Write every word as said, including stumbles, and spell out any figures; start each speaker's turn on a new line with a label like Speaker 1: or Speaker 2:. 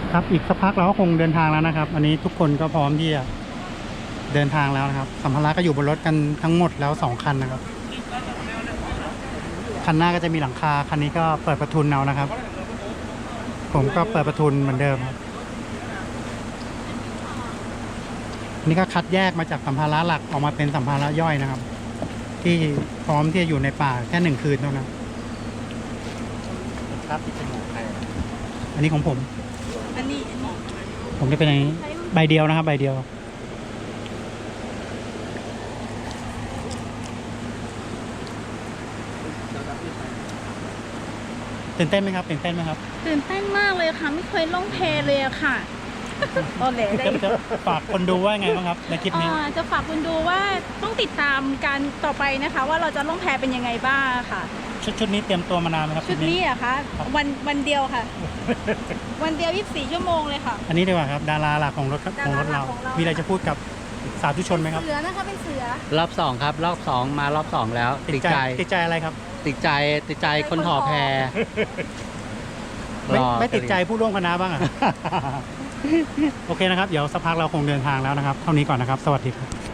Speaker 1: ครับอีกสักพักเราก็คงเดินทางแล้วนะครับ อันนี้ทุกคนก็พร้อมที่จะเดินทางแล้วนะครับสัมภาระก็อยู่บนรถกันทั้งหมดแล้วสองคันนะครับคันหน้าก็จะมีหลังคาคันนี้ก็เปิดประทุนเอานะครับ ผมก็เปิดประทุนเหมือนเดิมครับนี่ก็คัดแยกมาจากสัมภาระหลักออกมาเป็นสัมภาระย่อยนะครับ ที่พร้อมที่จะอยู่ในป่าแค่หนึ่งคืนเท่านั้นครับที่เป็นของใครอันนี้ของผม
Speaker 2: อันนี้อันนี้
Speaker 1: ผมจะเป็นอย่างนี้ใบเดียวนะครับใบเดียวตื่นเต้นไหมครับตื่นเต้นไหมครับ
Speaker 2: ตื่นเต้นมากเลยค่ะ ไม่เคยล่องแพเลยอะค่ะตอนแหลได้
Speaker 1: จะจะฝากคนดูว่าไงบ้างครับในคลิปนี้
Speaker 2: อ่าจะฝากคุณดูว่าต้องติดตามการต่อไปนะคะ ว่าเราจะล่องแพเป็นยังไงบ้างค่ะ
Speaker 1: ชุดชุดนี้เตรียมตัวมานานไหมครับ
Speaker 2: ชุดนี้อะคะวันวันเดียวค่ะ วันเดียวยี่สิบสี่ชั่วโมงเลยค่ะ
Speaker 1: อันนี้ดีกว่าครับดาราหลักของรถของรถเรา
Speaker 2: ดาราหลักของเรามี
Speaker 1: มีอะไรจะพูดกับสาธุชนไหมครับ
Speaker 2: เสือนะคะเป็นเสือ
Speaker 3: รอบสองครับ รอบสองมารอบสองแล้ว ติดใจ
Speaker 1: ติดใจอะไรครับ
Speaker 3: ติดใจติดใจคนถ่อแพ
Speaker 1: ไม่
Speaker 3: รอ
Speaker 1: ไม่ติดใจผู้ร่วมคณะบ้างอ่ะ โอเคนะครับเดี๋ยวสักพักเราคงเดินทางแล้วนะครับเท่านี้ก่อนนะครับสวัสดีครับ